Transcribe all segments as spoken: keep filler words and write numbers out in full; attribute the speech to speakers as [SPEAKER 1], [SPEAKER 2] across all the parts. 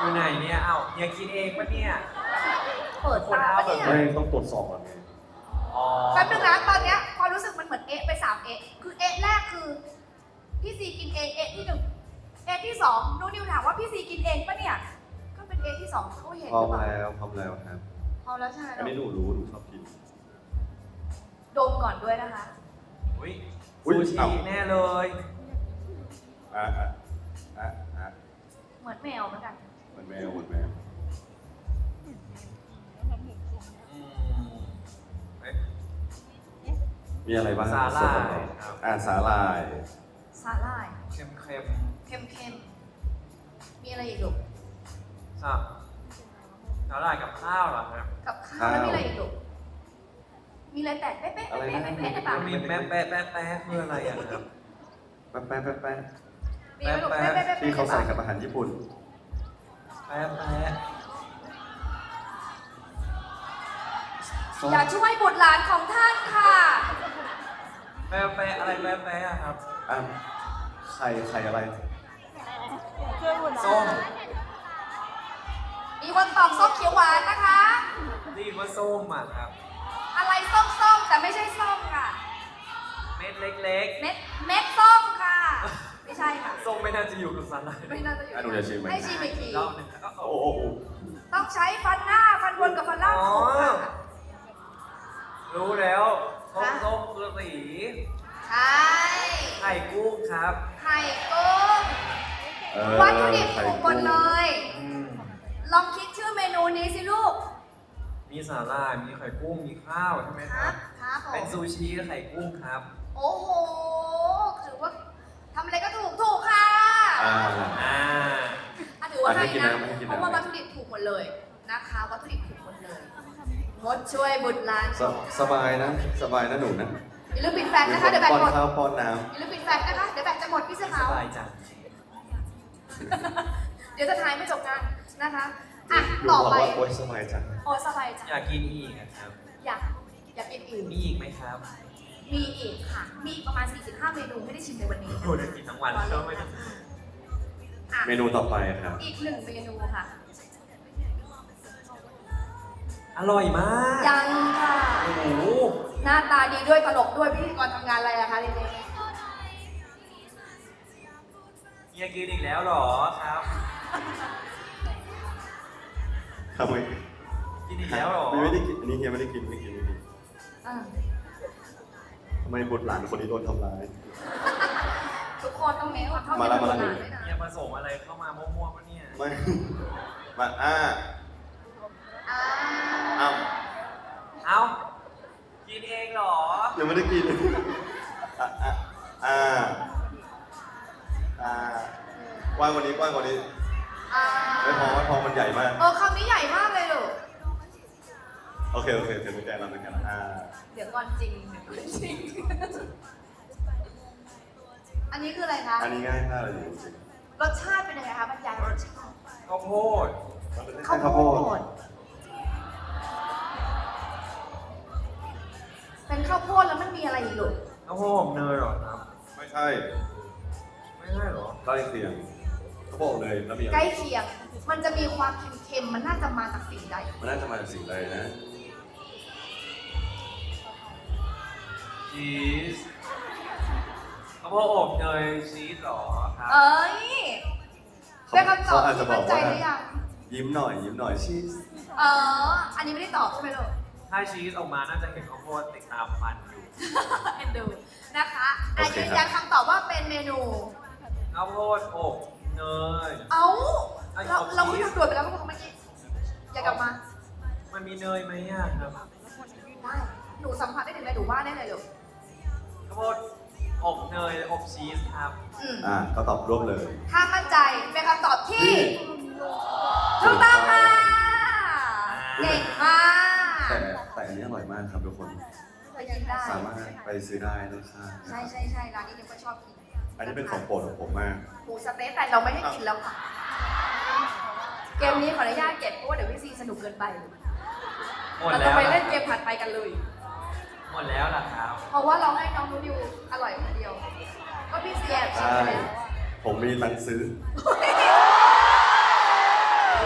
[SPEAKER 1] อยู่ไหนเนี่ยเอ้าเฮียคิดเองปะเนี่ย
[SPEAKER 2] เปิดตาปะเนี่ย
[SPEAKER 3] ไม่ต้องตรวจสอบก่อนไง
[SPEAKER 1] อ๋อ
[SPEAKER 2] แป๊บนึงนะตอนเนี้ยความรู้สึกมันเหมือนเอะไปสามเอะคือเอะแรกคือพี่ซีกินเองเอะที่หนึ่งเอะที่สองนูนิวถามว่าพี่ซีกินเองปะเนี่ยก็เป็นเอะที่สองเขาเห็น
[SPEAKER 3] พร้อ
[SPEAKER 2] ห
[SPEAKER 3] ม
[SPEAKER 2] รือเปล่า
[SPEAKER 3] แล้วพร้อมแล้วครับ
[SPEAKER 2] พร้อมแล้วใช่ไหม
[SPEAKER 3] อันนี้หนูรู้หนูชอบกิน
[SPEAKER 2] ดมก่อนด้วยนะคะ
[SPEAKER 1] อุ้ย
[SPEAKER 3] อุ๊ย
[SPEAKER 1] ซูชิ
[SPEAKER 3] เอ้า
[SPEAKER 1] แน่เลย
[SPEAKER 3] อ่ะอ่ะอ่ะอ่ะ
[SPEAKER 2] เหมือนแมวเหมือนกัน
[SPEAKER 3] เหมือนแมวเหมือนแมว
[SPEAKER 1] อืมเอ๊ะ
[SPEAKER 3] มีอะไรบ้าง
[SPEAKER 1] สาหร่าย
[SPEAKER 3] ส่วนประกอบ
[SPEAKER 1] ครับ
[SPEAKER 3] อ่ะสาหร่าย
[SPEAKER 2] สาหร่าย
[SPEAKER 1] เค็มเค็ม
[SPEAKER 2] เค็มๆมีอะไรอีกลูก
[SPEAKER 1] ๆสับสาหร่ายกับข้าวเหรอครับ
[SPEAKER 2] กับข้าวแล้วมีอะไรอีกลูกมีอะไรแตกเป๊ะๆเป๊ะๆ
[SPEAKER 3] อะไรนะ
[SPEAKER 2] เป๊ะๆเป๊ะๆในปาก
[SPEAKER 1] มีแป๊ะแป๊ะแป๊ะแป๊ะคืออะไรอ่ะครับ
[SPEAKER 3] แป๊ะแป๊ะแป๊ะแป๊ะ
[SPEAKER 2] มีไหมลูกเป๊ะๆเป๊ะๆเป๊ะๆ
[SPEAKER 3] ที่เขาใส่กับอาหารญี่ปุ่น
[SPEAKER 1] แป๊ะแป๊ะ
[SPEAKER 2] อย่าช่วยบุตรหลานของท่านค่ะ
[SPEAKER 1] แป๊ะแป๊ะอะไรแป๊ะแป๊ะอะครับ
[SPEAKER 3] อ่ะไข่ไข่อะไร
[SPEAKER 1] ส้ม
[SPEAKER 2] มีคนตอบส้มเขียวหวานนะคะ
[SPEAKER 1] ได้ยินว่าส้มอ่ะครับ
[SPEAKER 2] อะไรส้มๆแต่ไม่ใช่ส้มค่ะ
[SPEAKER 1] เม็ดเล็ก
[SPEAKER 2] เม็ดเม็ดส้มค่ะ ไม่ใช่ค่ะ
[SPEAKER 1] ๆส้มไม่น่าจะอยู่กับสาหร่าย
[SPEAKER 2] ไม่น่าจะอยู่
[SPEAKER 3] อ่ะหนูจะชิมไหม
[SPEAKER 2] ให้ชิมอีกที
[SPEAKER 1] รอบหนึงแล้วก็
[SPEAKER 3] โอ้โห
[SPEAKER 2] ต้องใช้ฟันหน้าฟันบนกับฟันล่างของค่ะ
[SPEAKER 1] รู้แล้วส้มส้มคือสี
[SPEAKER 2] ใช่
[SPEAKER 1] ไข่กุ้งครับ
[SPEAKER 2] ไข่กุ้ง
[SPEAKER 3] เออ
[SPEAKER 2] วัตถุดิบ
[SPEAKER 3] ไข่
[SPEAKER 2] ถูกหมดเลย
[SPEAKER 1] อืม
[SPEAKER 2] ลองคิดชื่อเมนูนี้สิลูก
[SPEAKER 1] มีสาหร่าย มีไข่กุ้ง มีข้าวใช่ไหม
[SPEAKER 2] ค
[SPEAKER 1] ค
[SPEAKER 2] รั
[SPEAKER 1] รั
[SPEAKER 2] บบ ครับผ
[SPEAKER 1] เป็น
[SPEAKER 2] ม
[SPEAKER 1] ซูชิกับไข่กุ้งครับ
[SPEAKER 2] โอ้โห ถือว่าทำอะไรก็ถูกถูกค่ะ
[SPEAKER 3] อ่า
[SPEAKER 1] อ่า
[SPEAKER 2] อ่ะถือว่า
[SPEAKER 3] อ่ะให้
[SPEAKER 2] ให้
[SPEAKER 3] กิน
[SPEAKER 2] นะ
[SPEAKER 3] น้ำให้กิน
[SPEAKER 2] เพ
[SPEAKER 3] น้ำ
[SPEAKER 2] ราะว่าวัตถุดิบถูกหมดเลยนะคะ วัตถุดิบถูกหมดเลยงดช่วยบุตรหลาน
[SPEAKER 3] สสบายนะ สบายนะหนูนะ
[SPEAKER 2] อย่าลืมปิดแฟลชนะคะ เดี๋ยวแบต
[SPEAKER 3] ป้อน
[SPEAKER 2] หมด
[SPEAKER 3] ข้าวป้อนน้
[SPEAKER 2] อย่าลืมปิดแฟลชนะคะ เดี๋ยวแบตจะหมดพี่เสื้อ
[SPEAKER 1] ส
[SPEAKER 2] ขาว
[SPEAKER 1] บายจัง
[SPEAKER 2] เดี๋ยวจะถ่ายไม่จบงานนะคะ อ่ะ
[SPEAKER 3] ำดู
[SPEAKER 2] ต่อ
[SPEAKER 3] บอก
[SPEAKER 2] ไป
[SPEAKER 3] ว่าโอ๊ยสบายจัง
[SPEAKER 2] โอ้สบายจัง
[SPEAKER 1] อยากกินอีกอะครับ
[SPEAKER 2] อยากอยากกินอื่น
[SPEAKER 1] มีอีกไหมครับ
[SPEAKER 2] มีอีกค่ะ มีอีกประมาณ สี่สิบห้า เมนูไม่ได้ชิมในวันนี้
[SPEAKER 1] โอ้จะกินทั้งวันก็ไม่ได้
[SPEAKER 2] อ่ะ
[SPEAKER 3] เมนูต่อไปครับ
[SPEAKER 2] อีกหนึ่งเมนูค่ะ
[SPEAKER 1] อร่อยมาก
[SPEAKER 2] ยังค่ะ
[SPEAKER 1] โอ้โห
[SPEAKER 2] หน้าตาดีด้วยตลกด้วยพิธีกรทำงานอะไรอะคะเรนนี่
[SPEAKER 1] เฮียกินอีกแล้วเหรอครับ
[SPEAKER 3] ทำไม
[SPEAKER 1] กินอีกแล้วเหรอ
[SPEAKER 3] ไม่ได้กิน อันนี้เฮียไม่ได้กินไม่กินไม่กิน
[SPEAKER 2] อ่ะ
[SPEAKER 3] ทำไมบุตรหลานคนนี้โดนทำร้าย
[SPEAKER 2] ทุกคนต้องเน้นความเท่าเทียม
[SPEAKER 3] มาละมาละ
[SPEAKER 2] กันด้วยนะ
[SPEAKER 1] เฮียผสมอะไรเข้ามามั่วๆปะเนี่ย
[SPEAKER 3] ไม่ มาอ่า
[SPEAKER 2] อ่า
[SPEAKER 3] อ้าว
[SPEAKER 1] เอ้า กินเองเหรอ
[SPEAKER 3] ยังไม่ได้กินอ่ะอ่ะอ่าอ่ากว้างกว่านี้กว้างกว่านี้
[SPEAKER 2] อ่า
[SPEAKER 3] ไม่พอไม่พอมันใหญ่มาก
[SPEAKER 2] เออคำนี้ใหญ่มากเลยลูก
[SPEAKER 3] โอเคโอเคโอเคไม่แกล้งแล้วไม่แกล้งแล้วอ่า
[SPEAKER 2] เดี๋ยวก่อนจริงเดี๋ยวก่อนจริง อันนี้คืออะไรคะ
[SPEAKER 3] อันนี้ง่ายมากเลยจริง
[SPEAKER 2] รสชาติเป็นยังไงคะบรรยายรสชาติ
[SPEAKER 1] ข้าวโพด
[SPEAKER 3] ๆมันเป็น
[SPEAKER 2] ข้าว
[SPEAKER 3] ข้าว
[SPEAKER 2] โพ
[SPEAKER 3] โพด
[SPEAKER 2] ดเป็นข้าวโพดแล้วมันมีอะไรอีกลูก
[SPEAKER 1] ข้าวโพดเนยเหรอครับ
[SPEAKER 3] ไม่ใช่
[SPEAKER 1] ไม่ใช่เหรอ
[SPEAKER 3] ใกล้เคียงเขาบอกเลยแล้วมีอะไร
[SPEAKER 2] ใกล้เคียง มันจะมีความเค็มๆ มันน่าจะมาจากสิ่งใด
[SPEAKER 3] มันน่าจะมาจากสิ่งใดนะ
[SPEAKER 1] ชีสข้าวโพดอบเนยชีสเหรอครับ
[SPEAKER 2] เอ้ยเป็นคำตอบ
[SPEAKER 3] เขาอาจจะ
[SPEAKER 2] ที่
[SPEAKER 3] บอ
[SPEAKER 2] มั่
[SPEAKER 3] ก
[SPEAKER 2] นใจ
[SPEAKER 3] ว่า
[SPEAKER 2] หรือยัง
[SPEAKER 3] ยิ้มหน่อยยิ้มหน่อยชีส
[SPEAKER 2] เออ อันนี้ไม่ได้ตอบใช่ไหมลูก
[SPEAKER 1] ถ้าชีสออกมาน่าจะเห็นข้าวโพดติดตามฟันอยู่
[SPEAKER 2] เอ็นดูนะคะอ่ะยืนยันคำตอบว่าเป็นเมนู
[SPEAKER 1] ข้าวโพดอบเนย
[SPEAKER 2] เอ้า
[SPEAKER 1] ไอ้
[SPEAKER 2] เรา
[SPEAKER 1] อบชีส
[SPEAKER 2] เราเพิ่งทำด่วนไปแล้วเมื่อกี้ อย่ากลับมา
[SPEAKER 1] มันมีเนยไหมอ่ะครับ
[SPEAKER 2] ได้ หนูสัมผัสได้ถึงอะไรหนูว่าได้เลยลูก
[SPEAKER 1] ข้าวโพดอบเนยอบชีสครับ
[SPEAKER 2] อืม
[SPEAKER 3] อ่าก็ตอบร่วมเลย
[SPEAKER 2] ถ้ามั่นใจเป็นคำตอบที่
[SPEAKER 3] ที่
[SPEAKER 2] ถูกต้องค่ะ เก่งมาก
[SPEAKER 3] แต่แต่อันนี้อร่อยมากครับทุกคน
[SPEAKER 2] ไปกินได้
[SPEAKER 3] สามารถไปซื้อได้นะคะ
[SPEAKER 2] ใช่ใช่ใช่ร้านนี้นิวก็ชอบกิน
[SPEAKER 3] อันนี้เป็นของโปรดของผมมาก
[SPEAKER 2] หมูสะเต๊ะแต่เราไม่ให้กินแล้วค่ะ เกมนี้ขออนุญาตเก็บเพราะว่าเดี๋ยวพี่ซีสนุกเกินไป
[SPEAKER 1] หมด
[SPEAKER 2] เรา
[SPEAKER 1] แล้
[SPEAKER 2] จะ
[SPEAKER 1] ว
[SPEAKER 2] ไป
[SPEAKER 1] ล่ะ
[SPEAKER 2] เล่นเกมถัดไปกันเลย
[SPEAKER 1] หมดแล้วล่ะครับ
[SPEAKER 2] เพราะว่าเราให้น้องนูดิวอร่อยคนเดียว ก็พี่ซีแอบชิม
[SPEAKER 3] ใช่
[SPEAKER 2] ไปแล้ว
[SPEAKER 3] ผมมีตังค์ซื้อ
[SPEAKER 2] เ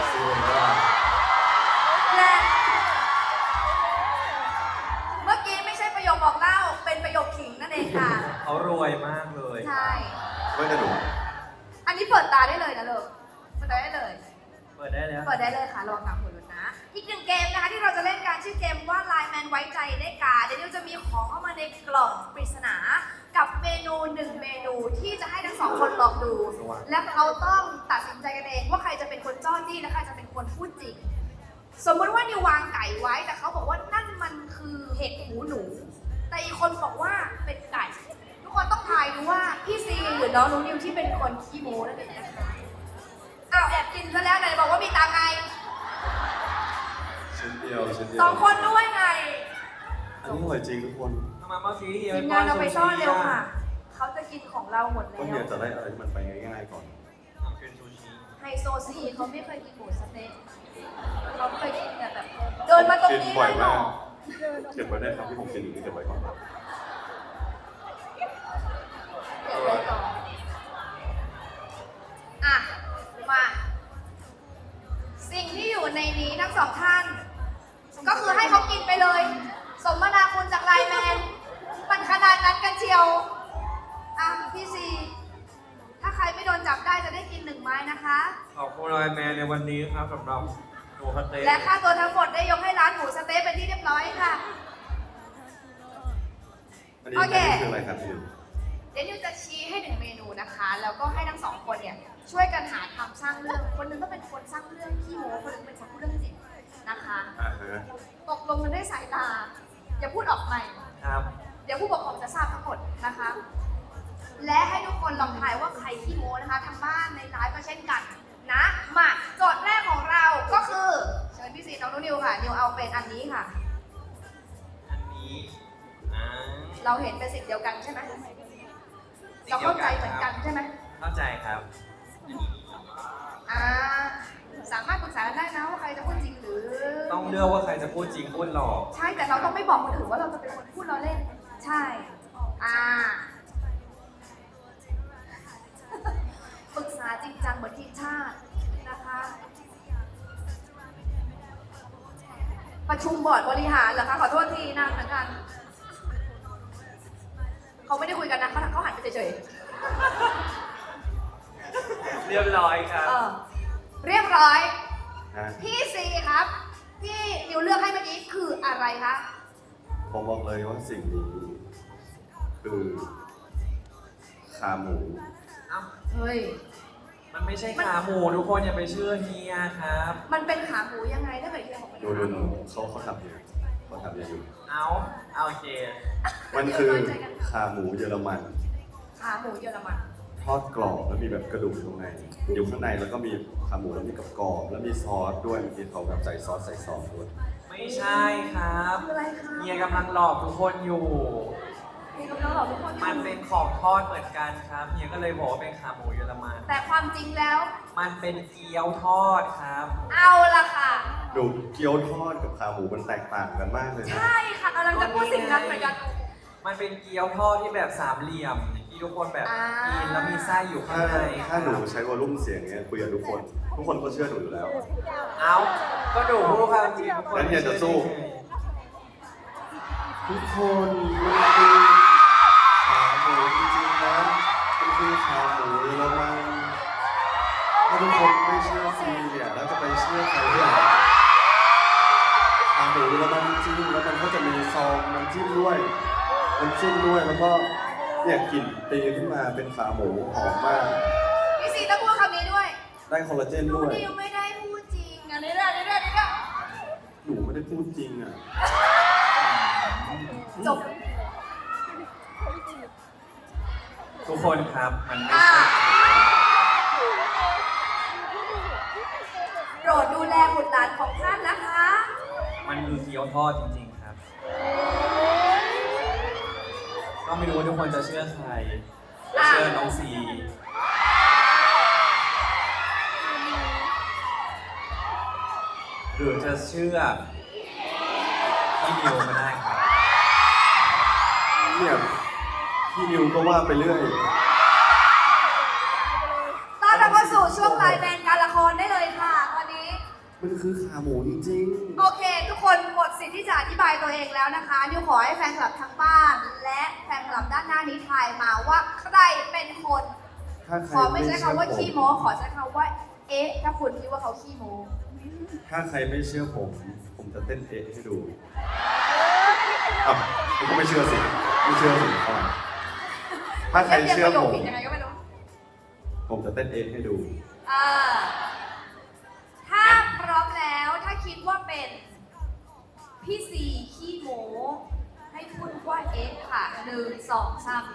[SPEAKER 1] แล้ว
[SPEAKER 2] เปิดได้เลยค่ะระวังตามผลนะ อีกหนึ่งเกมนะคะที่เราจะเล่นการชื่อเกมว่า ไลน์ แมนไว้ใจได้การเดี๋ยวนิวจะมีของเข้ามาในกล่องปริศนา กับเมนูหนึ่งเมนูที่จะให้ทั้งสองคนลองดู และเขาต้องตัดสินใจกันเองว่าใครจะเป็นคนจ้อนจี้และใครจะเป็นคนพูดจริง สมมติว่านิววางไก่ไว้แต่เขาบอกว่านั่นมันคือเห็ดหูหนู แต่อีกคนบอกว่าเป็นไก่ ทุกคนต้องทายดูว่าพี่ซีหรือน้องนุ้นิวที่เป็นคนขี้โม้นั่นเองนะคะอ้าวแอบกินซะแล้วไหนบอกว่ามีตาไง
[SPEAKER 3] ชิ้นเดียวชิ้นเดียว
[SPEAKER 2] สองคนด้วยไง
[SPEAKER 3] อันนี้อร่อยจริงทุกคน
[SPEAKER 1] ทำไมเมื่อกี้เฮีย
[SPEAKER 2] ทีมงานเราไปซ่อนเร็วค่ะ เขาจะกินของเราหมด
[SPEAKER 3] ก็
[SPEAKER 2] แล้
[SPEAKER 3] เฮียว จะได้อะไรที่มันไปง่ายๆก่อน
[SPEAKER 1] ทำเป็นซูชิ
[SPEAKER 2] ไฮโซซีเขาไม่เคยกินหมูสะเต๊ะเขาเคยกินแต่แบบ เดินมาตรง
[SPEAKER 3] กิน
[SPEAKER 2] นี้
[SPEAKER 3] บ่
[SPEAKER 2] เล
[SPEAKER 3] อย
[SPEAKER 2] ยเหร
[SPEAKER 3] มา
[SPEAKER 2] อก
[SPEAKER 3] เก็บไว้ได้ครับที่ผมกินอยู่นี่เก็บไว้ก่อน
[SPEAKER 2] เดี๋ยวไว้ก่อนอ่ะ มา สิ่งที่อยู่ในนี้ทั้งสองท่าน ก็คือให้เขากินไปเลย สมนาคุณจากไลน์แมน มันขนาดนั้นกันเชียว อ่ะ พี่ซี ถ้าใครไม่โดนจับได้จะได้กินหนึ่งไม้นะคะ
[SPEAKER 1] ขอบคุณไลน์แมนในวันนี้ครับสำหรับหมูสะเต๊ะ
[SPEAKER 2] และค่าตัวทั้งหมดได้ยกให้ร้านหมูสะเต๊ะเป็นที่เรียบร้อยค่ะ
[SPEAKER 3] อันนี้
[SPEAKER 2] โอ
[SPEAKER 3] อัน
[SPEAKER 2] เค
[SPEAKER 3] นี้คืออะไรครับพี่
[SPEAKER 2] เดี๋ยวนิวจะชี้ให้หนึ่งเมนูนะคะ แล้วก็ให้ทั้งสองคนเนี่ยช่วยกันหาทำสร้างเรื่อง คนหนึงก็เป็นคนสร้างเรื่องขี้โม้คนหนึงเป็นคนพูดเรื่องจริงนะคะ
[SPEAKER 3] อ่าฮะ
[SPEAKER 2] ตกลงกันด้วยสายตา อย่าพูดออกใหม่
[SPEAKER 1] ครับ
[SPEAKER 2] เดี๋ยวผู้ปกครองจะทราบทั้งหมดนะคะ และให้ทุกคนลองทายว่าใครขี้โม้นะคะทางบ้านในไลฟ์ก็เช่นกันนะ มาโจทย์แรกของเราก็คือเชิญพี่ซีน้องนุนิวค่ะ นิวเอาเป็นอันนี้ค่ะ
[SPEAKER 1] อันนี้อ่า
[SPEAKER 2] เราเห็นเป็นสิ่งเดียวกันใช่ไหมเราเข้าใจเหมือนกันใช่ไหม
[SPEAKER 1] เข้าใจครับ
[SPEAKER 2] อ่า สามารถปรึกษากันได้นะว่าใครจะพูดจริงหรือ
[SPEAKER 1] ต้องเลือกว่าใครจะพูดจริงพูดหลอก
[SPEAKER 2] ใช่ แต่เราต้องไม่บอกคนอื่นว่าเราจะเป็นคนพูดเราเล่น ใช่ อ่า ปรึกษาจริงจังเหมือนทีมชาตินะคะ ประชุมบอร์ดบริหารเหรอคะ ขอโทษทีนานเหมือนกัน เขาไม่ได้คุยกันนะเขาเขาหันไปเฉย
[SPEAKER 1] เรียบร้อยครั
[SPEAKER 2] ๆ
[SPEAKER 1] บ
[SPEAKER 2] เออ เรียบร้อย
[SPEAKER 3] ฮะ
[SPEAKER 2] พี่ซีครับ พี่นิวเลือกให้เมื่อกี้คืออะไรคะ
[SPEAKER 3] ผมบอกเลยว่าสิ่งนี้คือขาหมู
[SPEAKER 1] เอ้า
[SPEAKER 2] เฮ้ย
[SPEAKER 1] มันไม่ใช่ขาหมูทุกคนอย่าไปเชื่อเฮียครับ
[SPEAKER 2] มันเป็นขาหมูยังไงถ้าเกิดที่เราบอกเป็น
[SPEAKER 3] ดู
[SPEAKER 2] ขา
[SPEAKER 3] ดู
[SPEAKER 2] หมู
[SPEAKER 3] ดูเขาเขาทำอยู่เขาทำอยู่
[SPEAKER 1] เอาเอาโอเค
[SPEAKER 3] มันคือขาหมูเยอรมัน
[SPEAKER 2] ขาหมูเยอรมัน
[SPEAKER 3] ทอดกรอบแล้วมีแบบกระดูกตรงในอยู่ข้างในแล้วก็มีขาหมูแล้วมีกับกรอบแล้วมีซอสด้วยมีเขาแบบใส่ซอสใส่ซอสด้วย
[SPEAKER 1] ไม่ใช่ครับ
[SPEAKER 2] คืออะไรคะ
[SPEAKER 1] เฮียกำลังหลอกทุกคนอยู่
[SPEAKER 2] มีกำลังบอกทุกคน
[SPEAKER 1] มันเป็นของทอดเหมือนกันครับเฮียก็เลยบอกว่าเป็นขาหมูเยอรมัน
[SPEAKER 2] แต่ความจริงแล้ว
[SPEAKER 1] มันเป็นเกี๊ยวทอดครับ
[SPEAKER 2] เอาละค่ะ
[SPEAKER 3] ดูเกี๊ยวทอดกับขาหมูมันแตกต่างกันมากเลยนะ
[SPEAKER 2] ใช่ค่ะกำลังจะพูดสิ่งนั้นเหมือนกัน
[SPEAKER 1] มันเป็นเกี๊ยวทอดที่แบบสามเหลี่ยมที่ทุกคนแบบ
[SPEAKER 2] อ่า
[SPEAKER 1] กินแล้วมีไส้อยู่ข้า
[SPEAKER 3] ถ้าง
[SPEAKER 1] ใน
[SPEAKER 3] ถ้าหนูใช้วอลลุ่มเสียงเนี้ยคุยกับทุกคน ทุกคนก็เชื่อหนูอยู่แล้ว
[SPEAKER 1] เอาก็ดูพูดความจริงทุกคน
[SPEAKER 3] งั้นเฮียจะสู้ ทุกคนมันคือขาหมูจริงๆนะมันคือขาหมูเยอรมันถ้าทุกคนไม่เชื่อซีเนี่ยแล้วจะไปเชื่อใครเนี่ยขาหมูเยอรมันจริงแล้วมันก็จะมีซองน้ำจิ้มด้วยน้ำจิ้มด้วยแล้วก็เนี่ยกลิ่นตีขึ้นมาเป็นขาหมูหอมมาก
[SPEAKER 2] พี่ซีต้องพูดคำนี้ด้วย
[SPEAKER 3] ได้คอลลาเจน
[SPEAKER 2] หนู
[SPEAKER 3] ด้วย
[SPEAKER 2] นิวไม่ได้พูดจริงอันนี้แหละนี่แหละนี่แหละ
[SPEAKER 3] หนูไม่ได้พูดจริงอ่ะ
[SPEAKER 2] จบ
[SPEAKER 1] ทุกคนครับมันไม่
[SPEAKER 2] อ่า
[SPEAKER 1] ใช่
[SPEAKER 2] โปรดดูแลบุตรหลานของท่านนะคะ
[SPEAKER 1] มันคือเกี๊ยวทอดจริงๆครับ ก็ไม่รู้ว่าทุกคนจะเชื่อใครจะเชื่อน้องซีหรือจะเชื่อพี่นิวก็ได้ครับ
[SPEAKER 3] เนี่ยพี่นิวก็ว่าไปเรื่อย
[SPEAKER 2] ตอนเราเข้าสู่ช่วงไลน์แมนการละครได้เลยค่ะตอนนี้
[SPEAKER 3] มันคือขาหมูจริง
[SPEAKER 2] โอเค ทุกคนหมดสิทธิ์ที่จะอธิบายตัวเองแล้วนะคะนิวขอให้แฟนคลับทั้งบ้าน และแฟนคลับด้านหน้านี้ทายมาว่าใครเป็นคน
[SPEAKER 3] ๆ ถ้าใคร
[SPEAKER 2] ขอไม่ใช้คำว่า
[SPEAKER 3] เชื่อผม
[SPEAKER 2] ขี้โม้ขอใช้คำว่าเอ๊ะถ้าคุณคิดว่าเขาขี้โม้
[SPEAKER 3] ถ้าใครไม่เชื่อผม ผมจะเต้นเอะให้ดูอ่ะคุณก็ไม่เชื่อสิ ไม่เชื่อสิอ่ะถ้าใครเชื่อ
[SPEAKER 2] รียน
[SPEAKER 3] ผม
[SPEAKER 2] ผิดยังไงก็ไม่รู้
[SPEAKER 3] ผมจะเต้นเอะให้ดู
[SPEAKER 2] อ่าถ้าพร้อมแล้วถ้าคิดว่าเป็นพี่ซีขี้โม้ให้พูดว่าเอ๊ะค่ะหนึ่งสองสาม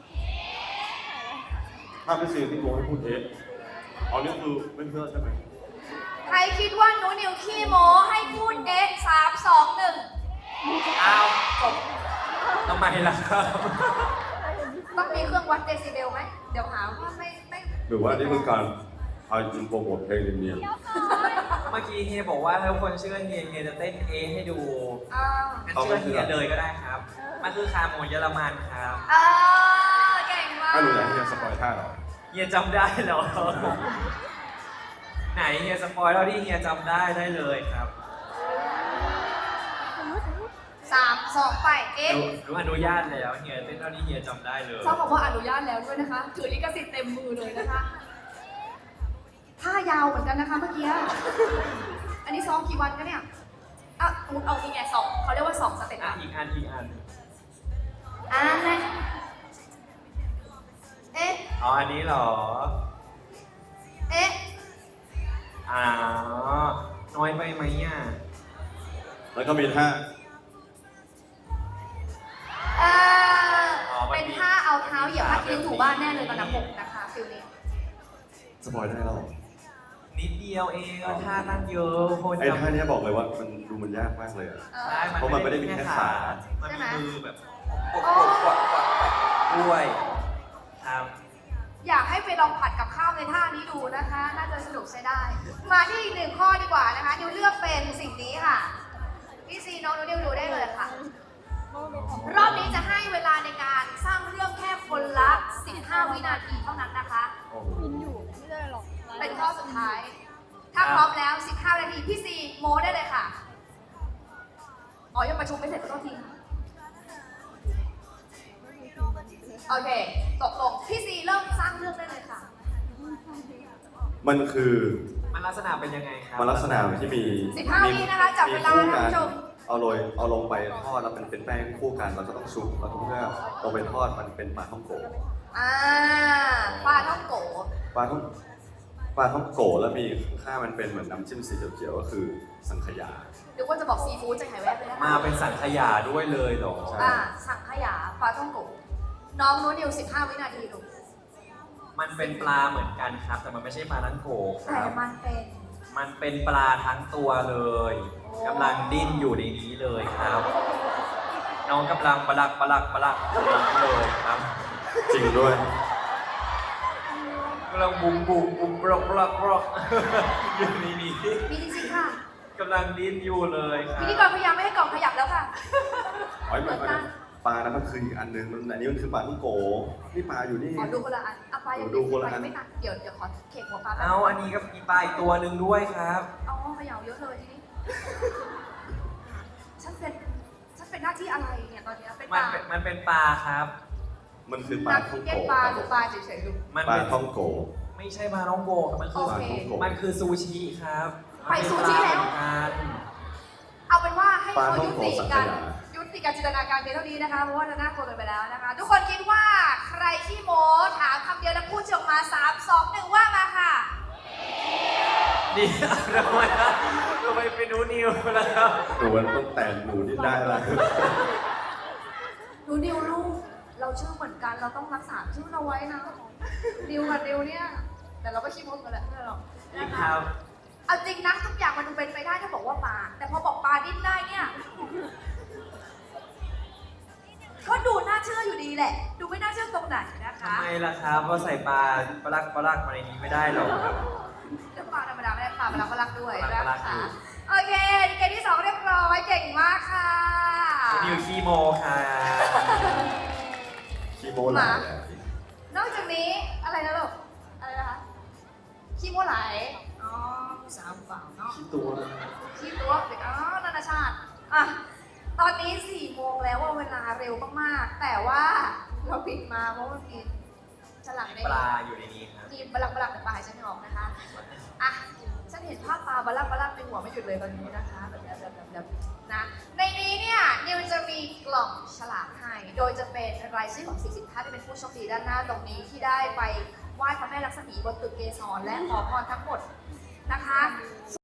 [SPEAKER 3] ถ้าไม่ซีที่โมให้พูดเอะเอานี่คือไม่เชื่อใช่ไหม
[SPEAKER 2] ใครคิดว่าหนูนิวขี้โม้ให้พูดเอ๊ะสามสองหนึ่ง
[SPEAKER 1] อ้าวจบทำไมล่ะครับ
[SPEAKER 2] ต้องมีเครื่องวัดเดซิเบลไหมเดี๋ยวหาว่าไม่ไม่
[SPEAKER 3] หรือว่านี่คือการเอาอินโปรโมทเพลงเนียน
[SPEAKER 1] เมื่อกี้เฮียบอกว่าถ้าคนเชื่อเฮียเฮียจะเต้นเอให้ดู
[SPEAKER 2] อ่า
[SPEAKER 1] งั้นเชื่อเฮียเลยก็ได้ครับ มันคือคาโมเยอรมันครับ
[SPEAKER 2] อ่าเก่งมา
[SPEAKER 3] ๆ
[SPEAKER 2] ก
[SPEAKER 3] ถ้าหนูอยากให้เฮียสปอยท่าเหรอ
[SPEAKER 1] เฮียจำได้เหรอ ไหนเฮียสปอยเท่าที่เฮียจำได้ได้เลยครับ
[SPEAKER 2] สามสองไปเอ๊ะ
[SPEAKER 1] รู้รู้อนุญาตแล้วเฮียเต้นเท่าที่เฮียจำได้เลย
[SPEAKER 2] ชอบบอกว่าอนุญาตแล้วด้วยนะคะถือลิขสิทธิ์เต็มมือเลยนะคะท่ายาวเหมือนกันนะคะเมื่อกี้ อันนี้ซ้อมกี่วันกันเนี่ยอ่ะเอาเอาอีกไงสองเขาเรียกว่าสองสเต็ป
[SPEAKER 1] อ่ะ
[SPEAKER 2] อ่ะ
[SPEAKER 1] อีกอันอีกอัน
[SPEAKER 2] อ่านะเอ๊ะ
[SPEAKER 1] อ๋ออันนี้เหรอ
[SPEAKER 2] เอ๊ะ
[SPEAKER 1] อ๋อน้อยไปไหมอ่ะ
[SPEAKER 3] แล้วก็มีท่า
[SPEAKER 2] เอ่อเป็นท่าเอาเท้าเหยียบพัดเลี้ยงถูบ้านแน่เลยตอนนับหกนะคะฟิลนี้
[SPEAKER 3] สปอยได้แล้วเหรอ
[SPEAKER 1] นิดเดียวเองก็ท่าตั้งเยอะคน
[SPEAKER 3] ไอ้
[SPEAKER 1] จำ
[SPEAKER 3] ท่าเนี้ยบอกเลยว่ามันดูมันยากมากเลยอะ
[SPEAKER 2] เออ
[SPEAKER 1] ใช่
[SPEAKER 3] เพราะมันไม่ได้มีแค่ขา
[SPEAKER 1] มัน
[SPEAKER 2] ใช่
[SPEAKER 1] มี
[SPEAKER 2] ไหม
[SPEAKER 1] มือแบบกดกดกดกดด้วยครับ
[SPEAKER 2] อยากให้ไปลองผัดกับข้าวในท่านี้ดูนะคะ น่าจะสนุกใช้ได้ มาที่อีกหนึ่งข้อดีกว่านะคะดิวเลือกเป็นสิ่งนี้ค่ะพี่ซีน้องนิวดูได้เลยค่ะ รอบนี้จะให้เวลาในการสร้างเรื่องแค่คนละสิบห้าวินาทีเท่านั้นนะคะ
[SPEAKER 3] โอ้โห
[SPEAKER 4] มินอยู่ไม่ได้หรอก
[SPEAKER 2] เป็นข้อสุดท้าย ถ้าพร้อมแล้วสิบห้านาทีพี่ซีโมได้เลยค่ะ อ๋อยังประชุมไม่เสร็จขอโทษทีโอเค ตกลงพี่ซีเริ่มสร้างเรื่องได้เลยค่ะ
[SPEAKER 3] มันคือ
[SPEAKER 1] มันลักษณะเป็นยังไงครับ
[SPEAKER 3] มันลักษณะที่มี
[SPEAKER 2] สิบห้าวินะคะจับเวลานะคุณผู้ชม
[SPEAKER 3] เอาโรยเอาลงไปทอดแล้วมันเป็นแป้งคู่กันเราก็ต้องชุบแล้วก็เพื่อลงไปทอดมันเป็นปลาท่องโก
[SPEAKER 2] อ่าปลาท่องโก
[SPEAKER 3] ปลาท่องปลาท่องโกแล้วมีข้างๆมันเป็นเหมือนน้ำจิ้มสีเขียวๆก็คือสังขยา
[SPEAKER 2] หรือว่าจะบอกซีฟู้ดใจหายแวบเลยนะคะ
[SPEAKER 1] มาเป็นสังขยาด้วยเลยเหรอ
[SPEAKER 3] ใช่
[SPEAKER 2] อ่าสังขยาปลาท่องโก น้องนู้นนิวสิบห้าวินาทีลูก
[SPEAKER 1] มันเป็นปลาเหมือนกันครับ แต่มันไม่ใช่ปลาทั้งโขค
[SPEAKER 2] แต่
[SPEAKER 1] รับ
[SPEAKER 2] มันเป็น
[SPEAKER 1] มันเป็นปลาทั้งตัวเลย
[SPEAKER 2] โอ้
[SPEAKER 1] กำลังดิ้นอยู่ในนี้เลยครับ น้องกำลังปลักปลักปลักเลยครับ
[SPEAKER 3] จริงด้วย
[SPEAKER 1] กำลังบุ้มบุ้มบุ้มปลอกปลอกปลอกอยู่ในนี้
[SPEAKER 2] มีจริงๆค่ะ
[SPEAKER 1] กำลังดิ้นอยู่เลยครั
[SPEAKER 2] พิ
[SPEAKER 1] บ
[SPEAKER 2] ธีกรพยายามไม่ให้กล่องขยับแล้วค่ะ
[SPEAKER 3] อ๋อไม่ไม่ปลานั้นมันคืออีกอันนึงมันอันนี้มันคือปลาท่องโกนี่ปลาอยู่นี่
[SPEAKER 2] ขอดูคนละอันอ่ะปลายัง
[SPEAKER 3] ดูคนละอัน
[SPEAKER 2] ไม่ตัดเดี๋ยวเดี๋ยวขอเข่งหัวปลาแป๊บ
[SPEAKER 1] เอาอันนี้ก็มีปลาอีกตัวหนึ่งด้วยครับ
[SPEAKER 2] เอาขยับเยอะเลยทีนี้ ฉันเป็น ฉันเป็นหน้าที่อะไรเนี่ยตอนเนี้ยเป็นป
[SPEAKER 1] มัน
[SPEAKER 2] ลา
[SPEAKER 1] เป็นมันเป็นปลาครับ
[SPEAKER 3] มันคือปลา
[SPEAKER 2] นัก
[SPEAKER 3] ท่อง
[SPEAKER 2] เก็
[SPEAKER 3] โก
[SPEAKER 2] ตปลาหรือปลาเฉยๆลูก
[SPEAKER 1] มัน
[SPEAKER 3] ปลา
[SPEAKER 1] เป็น
[SPEAKER 3] ท่องโก
[SPEAKER 1] ไม่ใช่ปลาน้องโบครับมันคือ
[SPEAKER 2] โอเค
[SPEAKER 1] มันคือซูชิครับ
[SPEAKER 2] ไปซูชิแล้ว
[SPEAKER 1] มันเป็นปาเหมือนกัน
[SPEAKER 2] เอาเป็นว่าให้
[SPEAKER 3] ปลา
[SPEAKER 2] เขา
[SPEAKER 3] ท่อง
[SPEAKER 2] ยุ
[SPEAKER 3] โก
[SPEAKER 2] ติ
[SPEAKER 3] สังข
[SPEAKER 2] การ
[SPEAKER 3] ยา
[SPEAKER 2] ยุติการจินตนาการเพียงเท่านี้นะคะ เพราะว่าจะน่ากลัวเกินไปแล้วนะคะ ทุกคนคิดว่าใครขี้โม้ถามคำเดียวแล้วพูดชื่อออกมาสามสองหนึ่งว่ามาค่ะ
[SPEAKER 1] นี่ทำไมนะทำไมเป็นนูนิวแล้วครับ
[SPEAKER 3] หนูมันต้องแต่งหนูนี่ได้แล้ว
[SPEAKER 2] หนูดิวลูก เราชื่อเหมือนกันเราต้องรักษาชื่อเราไว้นะดิวกับดิวเนี่ย แต่เราก็ขี้โม้กันแหละไม่หรอก
[SPEAKER 1] นี่
[SPEAKER 2] นะ
[SPEAKER 1] ค
[SPEAKER 2] คะ
[SPEAKER 1] รับ
[SPEAKER 2] เอาจริงนะทุกอย่างมันดูเป็นไปได้ถ้าบอกว่าปลาแต่พอบอกปลาดิ้นได้เนี่ยก็ดูน่าเชื่ออยู่ดีแหละ ดูไม่น่าเชื่อตรงไหนนะคะ
[SPEAKER 1] ทำไมล่ะครับว่าใส่ปลาปลักปลักมาในนี้ไม่ได้หรอกครับ
[SPEAKER 2] เรื่องปลาธรรมดาไม่ได้ปลาปลาปลาด้วย
[SPEAKER 1] ปลา
[SPEAKER 2] นะ
[SPEAKER 1] ปลาอ
[SPEAKER 2] คะ
[SPEAKER 1] ยู่
[SPEAKER 2] โอเคเกมที่สองเรียบร้อยเก่งมากค่ะ
[SPEAKER 1] นิวคีโมค่ะ
[SPEAKER 3] ขี้โมหลาย
[SPEAKER 2] นอกจากนี้อะไรนะลูกอะไรนะคะขี้โมไหลอ๋อผู้สาวเปล่าเนาะ
[SPEAKER 3] ขี้ตัว
[SPEAKER 2] ขี้ตัวเด็กอ๋อนานาชาติอ่ะตอนนี้สี่โมงแล้วว่าเวลาเร็วมากๆแต่ว่าเราปิดมาเพราะว่ามีฉลามใน
[SPEAKER 1] ปลาอยู่ในนี้ครับ
[SPEAKER 2] มีบลักบลักแต่ปลาหายใจไม่ออกนะคะอ่ะฉันเห็นภาพปลาบลักบลักในหัวไม่หยุดเลยตอนนี้นะคะแบบแบบแบบแบบแบบนะในนี้เนี่ยนิวจะมีกล่องฉลากให้โดยจะเป็นรายชื่อของสี่สิบท่านที่เป็นผู้โชคดีด้านหน้าตรงนี้ที่ได้ไปไหว้พระแม่ลักษมีบนตึกเกสรและขอพรทั้งหมดนะคะ